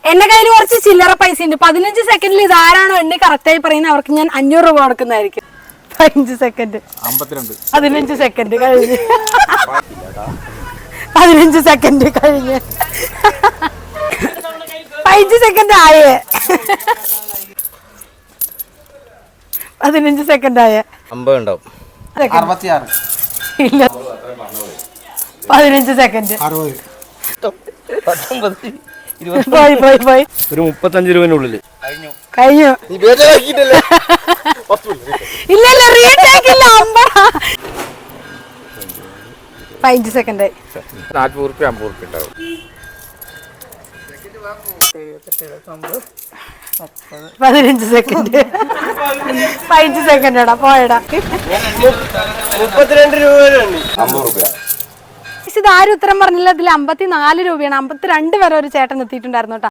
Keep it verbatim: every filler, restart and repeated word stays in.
എന്റെ കയ്യിൽ കുറച്ച് ചില്ലറ പൈസ ഉണ്ട്. പതിനഞ്ച് സെക്കൻഡിൽ ഇതാരാണോ എണ്ണി കറക്റ്റായി പറയുന്നത് അവർക്ക് ഞാൻ അഞ്ഞൂറ് രൂപ കൊടുക്കുന്നതായിരിക്കും. പതിനഞ്ച് സെക്കൻഡ് പതിനഞ്ച് സെക്കൻഡ് കഴിഞ്ഞ് പതിനഞ്ച് സെക്കൻഡ് കഴിഞ്ഞ് പതിനഞ്ച് സെക്കൻഡ് ആയേ പതിനഞ്ച് സെക്കൻഡ് ആയേ അമ്പത് ഉണ്ടാവും. ഇല്ല പതിനഞ്ച് സെക്കൻഡ് പോയി പോയി പോയി ഒരു മുപ്പത്തഞ്ച് രൂപനുള്ളിൽ കഴിഞ്ഞു. ഇല്ല ഇല്ല റീടേക്ക് ഇല്ല. അമ്പ പതിനഞ്ച് സെക്കൻഡ് നാൽപ്പത് റുപ്യ അമ്പത് റുപ്യ ഉണ്ടാവും. പതിനഞ്ച് സെക്കൻഡ് പതിനഞ്ച് സെക്കൻഡ് എടാ പോയടാ. മുപ്പത്തിരണ്ട് രൂപ അമ്പത് റുപ്യ. ഇത് ആരും ഉത്തരം പറഞ്ഞില്ല. ഇതിൽ അമ്പത്തിനാല് രൂപയാണ്. അമ്പത്തിരണ്ട് വരെ ഒരു ചേട്ടൻ എത്തിയിട്ടുണ്ടായിരുന്നു കേട്ടോ.